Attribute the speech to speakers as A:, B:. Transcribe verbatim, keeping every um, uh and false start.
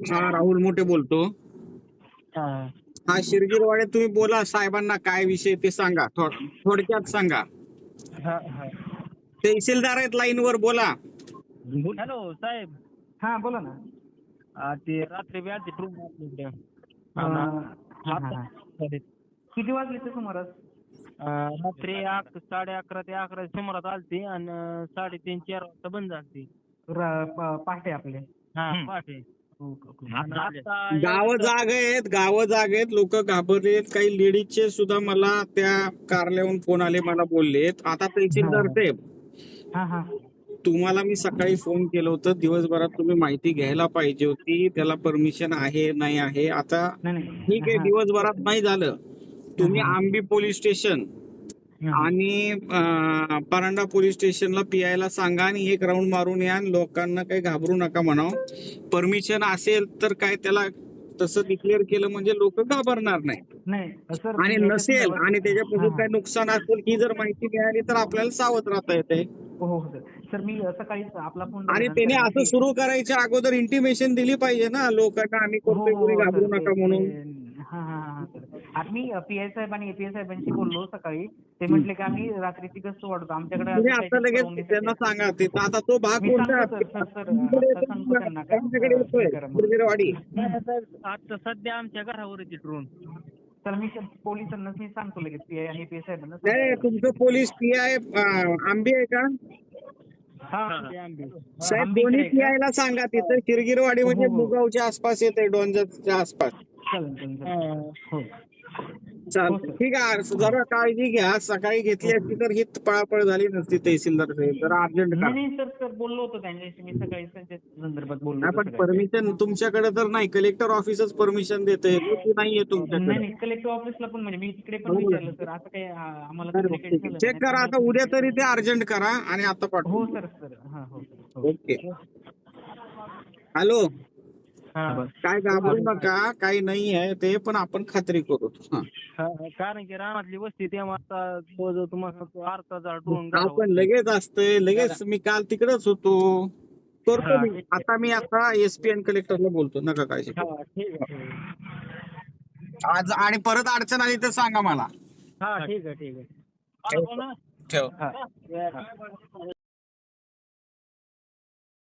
A: हा राहुल मोठे बोलतो.
B: हा
A: हा शिरगीरवाडे, तुम्ही बोला साहेबांना काय विषय ते सांगा, थोड- थोडक्यात सांगा.
B: हा हा
A: तहसीलदार आहेत लाईनवर, बोला.
B: हॅलो साहेब.
C: हा बोला ना.
B: आ, ते रात्री बी आलती ट्रूप आपल्याकडे.
C: अं, हा, हा, हा.
B: आणि
C: किती वाजले ते सुमारास?
B: आ, रात्री अक साडे अकरा ते अकरा सुमारात आलती आणि साडेतीन चार वाजता बंद झालती.
C: र- प- पहाटे आपले.
B: हा पहाटे.
C: Okay, okay.
B: आणि आता
A: गावं
B: एवढं-
A: जाग आहेत, गावं जाग आहेत, लोक घाबरलेत. काही लेडीजचे सुद्धा मला त्या कारल्याहून फोन आले, मला बोललेत. आता तहसीलदार साहेब,
C: हा हा
A: तुम्हाला मी सकाळी फोन केलं होतं, दिवसभरात तुम्ही माहिती घ्यायला पाहिजे होती. त्याला परमिशन आहे नाही आहे. आता
C: नाही नाही
A: ठीक आहे,
C: हा.
A: दिवसभरात नाही झालं, तुम्ही
C: हा, हा.
A: आंबी पोलीस स्टेशन
C: हा, हा.
A: आणि अं, परांडा पोलीस स्टेशनला पीआयला सांगा आणि एक राऊंड मारून या. आणि लोकांना काही घाबरू नका म्हणावं. परमिशन असेल तर काय त्याला तसं डिक्लेअर केलं म्हणजे लोक घाबरणार नाही.
C: नाही सर
A: आणि
C: मी याच्या
A: नसेल
C: संदर्भात
A: आणि
C: हा
A: त्याच्यापासून
C: हा
A: काही नुकसान असेल ही जर माहिती मिळाली तर आपल्याला सावध राहता येते.
C: हो हो सर. सर मी सकाळीच आपला फोन
A: आणि
C: झाल्यानंतर
A: त्याने
C: आहे ना
A: असं
C: ते
A: सुरू करायच्या अगोदर इंटिमेशन दिली पाहिजे ना लोकांना, आम्ही
C: हो
A: करतोय,
C: हो
A: कोणी
C: हो सर
A: घाबरू
C: ते
A: नका
C: ते
A: म्हणून.
C: हा हा हा सर. आता मी पी आय साहेब आणि एपीआय साहेबांशी बोललो सकाळी. ते म्हटले की आम्ही रात्रीची गस्त वाढवतो, आमच्याकडे
A: तुम्ही
C: अजून
A: आता
C: काहीतरी
A: लगेच
C: परवानगीसाठी
A: त्यांना
C: आहे.
A: सांगा ते आता तो भाग
C: मी
A: कोणता
C: सांगतो सर सर सर आता सांगतो त्यांना का
A: आमच्याकडे
C: अं, हे
A: येतोय
C: करा म्हणून.
A: शिरगीरवाडी.
B: नाही, साहेब, आता सध्या आमच्या घरावर येते ड्रोन.
C: तर मी पोलिसांना मी सांगतो लगेच पी आय आणि पी आय साहेबांना
A: नाही
C: सांगतो.
A: तुमचं पोलीस पी आय आंबे आहे का
C: हा
B: ते आंबे.
A: साहेब?
C: आंबेकर
A: दोन्ही
C: आहे
A: पी
C: का?
A: आयला सांगा तिथं शिरगीरवाडी
C: हो
A: म्हणजे
C: हो
A: मुगावच्या आसपास येते, डोंजरच्या आसपास.
C: चालेल चालेल
B: हा.
C: चालेल. हो हो
A: चालतं,
C: सर.
A: ठीक आहे. जरा काळजी घ्या, सकाळी घेतली असती तर ही पळापळ झाली नसती. तहसीलदार साहेब जरा अर्जंट
C: नाही
A: करा.
C: नाही सर सर बोललो होतो त्यांच्याशी मी सकाळी त्यांच्या संदर्भात बोललो
A: नाही
C: होतो
A: पण
C: सगळ्यांशी.
A: परमिशन तुमच्याकडे तर नाही, कलेक्टर ऑफिसच परमिशन देते, ती नाहीये
C: नाही
A: तुमच्याकडे.
C: नाही कलेक्टर ऑफिसला पण म्हणजे मी तिकडे पण विचारलं सर, असं काही आ- आम्हाला कम्युनिकेट झालं
A: चेक
C: नाही,
A: करा
C: त्यामुळे
A: आता,
C: तुम्ही
A: उद्या
C: काही
A: तरी ते
C: सांगू
A: अर्जंट करा आणि आता
C: शकत- हो
A: पाठवून
C: सर सर हा हो सर हो.
A: ओके. हॅलो,
B: हा.
A: काय घाबरू नका, काही नाही आहे ते, पण आपण खात्री करू. हा.
B: हा, कारण की रानातली वस्ती तेव्हा आता जवळजवळ तुम्हाला अर्धा ड्रोन
A: आपण लगेच असतंय, लगेच. मी काल तिकडेच होतो, करतो मी आता. मी आता एसपी आणि कलेक्टरला बोलतो, नका काळजी करू.
B: हा ठीक आहे, ठीक आहे.
A: आज आणि परत अडचण आली तर सांगा मला.
B: हा ठीक आहे ठीक आहे.
A: ठेव.
C: हा.
B: हा.